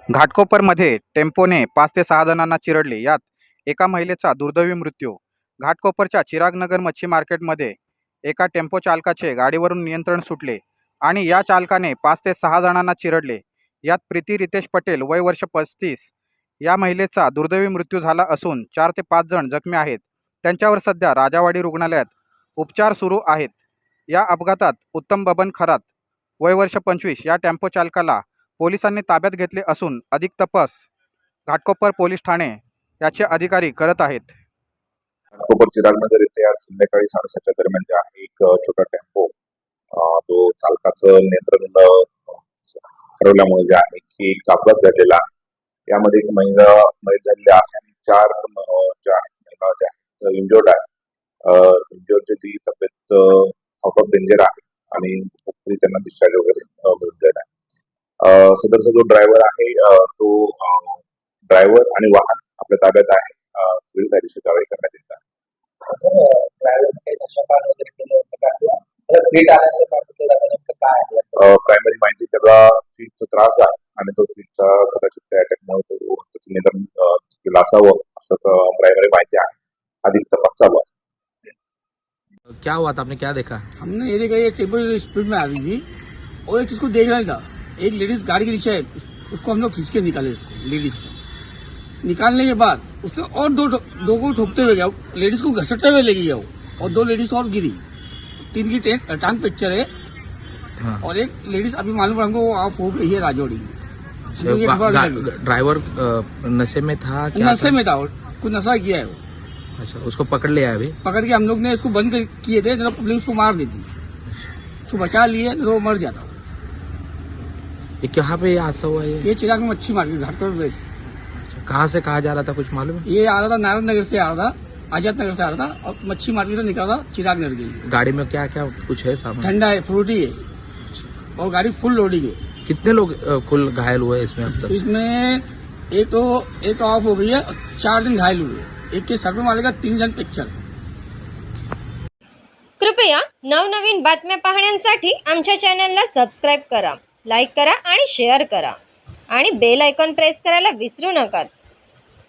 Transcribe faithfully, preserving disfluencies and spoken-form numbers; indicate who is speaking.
Speaker 1: घाटकोपरमध्ये टेम्पोने पाच ते सहा जणांना चिरडले, यात एका महिलेचा दुर्दैवी मृत्यू. घाटकोपरच्या चिरागनगर मच्छी मार्केटमध्ये एका टेम्पो चालकाचे गाडीवरून नियंत्रण सुटले आणि या चालकाने पाच ते सहा जणांना चिरडले. यात प्रीती रितेश पटेल वय वर्ष पस्तीस या महिलेचा दुर्दैवी मृत्यू झाला असून चार ते पाच जण जखमी आहेत. त्यांच्यावर सध्या राजावाडी रुग्णालयात उपचार सुरू आहेत. या अपघातात उत्तम बबन खरात वय वर्ष पंचवीस या टेम्पो चालकाला पोलिसांनी ताब्यात घेतले असून अधिक तपास घाटकोपर पोलीस ठाणे याचे अधिकारी करत आहेत.
Speaker 2: घाटकोपर चिरागनगर येथे आज संध्याकाळी साडेसातच्या दरम्यान जे आहे एक छोटा टेम्पो तो चालकाचं नियंत्रण हरवल्यामुळे जे आहे की एक अपघात घडलेला आहे. यामध्ये एक महिला मयत झालेली आहे आणि चार ज्या महिला ज्या आहेत इंजोर्ड आहे. इंजोर्डची ती तब्येत आउट ऑफ डेंजर आहे आणि त्यांना डिस्चार्ज वगैरे मिळत आहे. सदरचा जो ड्रायव्हर आहे तो ड्रायव्हर आणि वाहन आपल्या ताब्यात आहे. पुढील कायदेशीर कारवाई करण्यात येत आहे. प्रायमरी माहिती त्याला फीटचा त्रास आहे आणि तो फीटचा कदाचित त्या अटॅकमुळे तो त्याचं निधन केलं असावं असं प्रायमरी माहिती आहे. अधिक तपास चालू आहे.
Speaker 3: क्या हुआ था, आपने क्या देखा?
Speaker 4: हमने ये देखा ये टेम्पो स्पीड में आ रही थी और एक इसको देख रहा था, एक लेडीज गाड़ी के नीचे है, उसको हम लोग खींच के निकाले, इसको लेडीज को निकालने के बाद उसने और दो दो को ठोकते हुए गया, लेडीज को घसटते हुए ले गया वो, और दो लेडीज और गिरी, तीन की टांग पिक्चर है। हाँ। और एक लेडीज अभी मालूम हमको वो ऑफ हो गई है राजौड़ी।
Speaker 3: ड्राइवर नशे में था क्या?
Speaker 4: नशे में था, कुछ नशा किया है वो।
Speaker 3: अच्छा, उसको पकड़ लिया अभी? पकड़
Speaker 4: के हम लोग ने इसको बंद किए थे, तो पुलिस उसको मार देती, उसको बचा लिए तो वो मर जाता।
Speaker 3: ये कहाँ पे हादसा हुआ? ये
Speaker 4: ये चिराग में मच्छी मार्केट घाटकोपर प्लेस।
Speaker 3: कहाँ से कहाँ जा रहा था, कुछ मालूम है?
Speaker 4: ये आ रहा था नारायण नगर से आ रहा था, आजाद नगर से आ रहा था और मच्छी मार्केट से निकल रहा था चिराग नगर के लिए।
Speaker 3: गाड़ी में क्या क्या कुछ है सामान?
Speaker 4: ठंडा है, फ्रूटी है और गाड़ी फुल लोडिंग है।
Speaker 3: कितने लोग कुल घायल हुए इसमें अब तक?
Speaker 4: इसमें एक तो एक तो ऑफ हो गई है, चार दिन घायल हुए, एक के सर वाले का तीन जण पिक्चर।
Speaker 5: कृपया नवनवीन बातम्या पाहण्यासाठी आमच्या चॅनलला सबस्क्राईब करा, लाईक करा आणि शेअर करा आणि बेल आयकॉन प्रेस करायला विसरू नका.